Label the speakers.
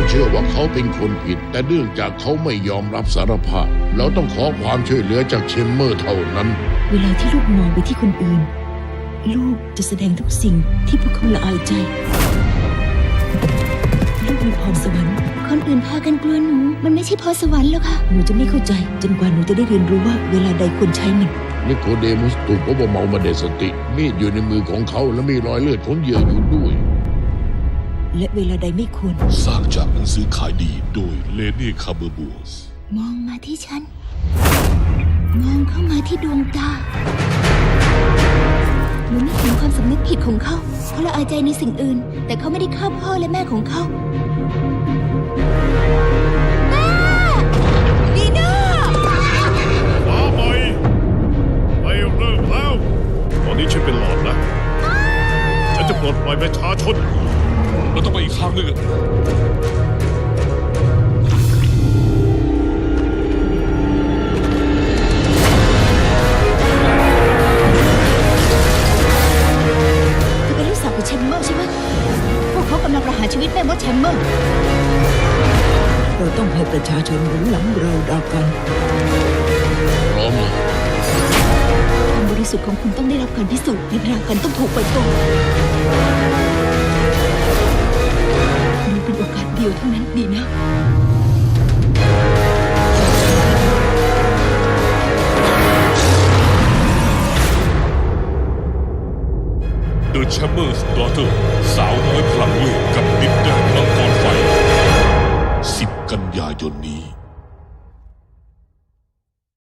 Speaker 1: เชื่อว่าเขาเป็นคนผิดแต่เนื่องจากเขาไม่ยอมรับสารภาพเราต้องขอความช่วยเหลือจากเชมเมอร์เท่านั้น
Speaker 2: เวลาที่ลูกมองไปที่คนอื่นลูกจะแสดงทุกสิ่งที่พวกเขาละอายใจลูกมีพรสวรรค์
Speaker 3: คนอื่นพากันกลัวหนูมันไม่ใช่พรสวรรค์หรอกค่ะ
Speaker 2: หนูจะไม่เข้าใจจนกว่าหนูจะได้เรียนรู้ว่าเวลาใดควรใช้มัน
Speaker 1: นิโคเดมุสถูกพบว่าเมามาเดสติมีดอยู่ในมือของเขาและมีรอยเลือดของเหยื่ออยู่ด้วย
Speaker 2: และเวลาใดไม่ควร
Speaker 4: สร้างจากหนังสือขายดีโดยเลนี่คาเบอร์บัวส
Speaker 3: มองมาที่ฉันมองเข้ามาที่ดวงตาหนูนึกถึงความสำนึกผิดของเขาละอายใจในสิ่งอื่นแต่เขาไม่ได้ฆ่าพ่อและแม่ของเขาแม่ดีน่า
Speaker 4: มาใหม่ไม่เริ่มแล้วตอนนี้ฉันเป็นหลอดนะฉันจะปลดปล่อยประชาชนเราต้องไปอีกทางหนึ่ง
Speaker 3: แชมเมอร์ใช่ไหมพวกเขากำลังประหารชีวิตแม่มดแชมเมอร์
Speaker 2: เราต้องให้ประชาชนรู้หลังเราดากัน
Speaker 1: พร้อมนะ
Speaker 3: ความบริสุทธิ์ของคุณต้องได้รับการพิสูจน์และดากันต้องถูกปล่อยตัวนี่เป็นโอกาสเดียวเท่านั้นดีนะ
Speaker 4: The Chamber's Daughter สาวน้อยพลังเวทกับดินแดนมังกรไฟ10 กันยายนนี้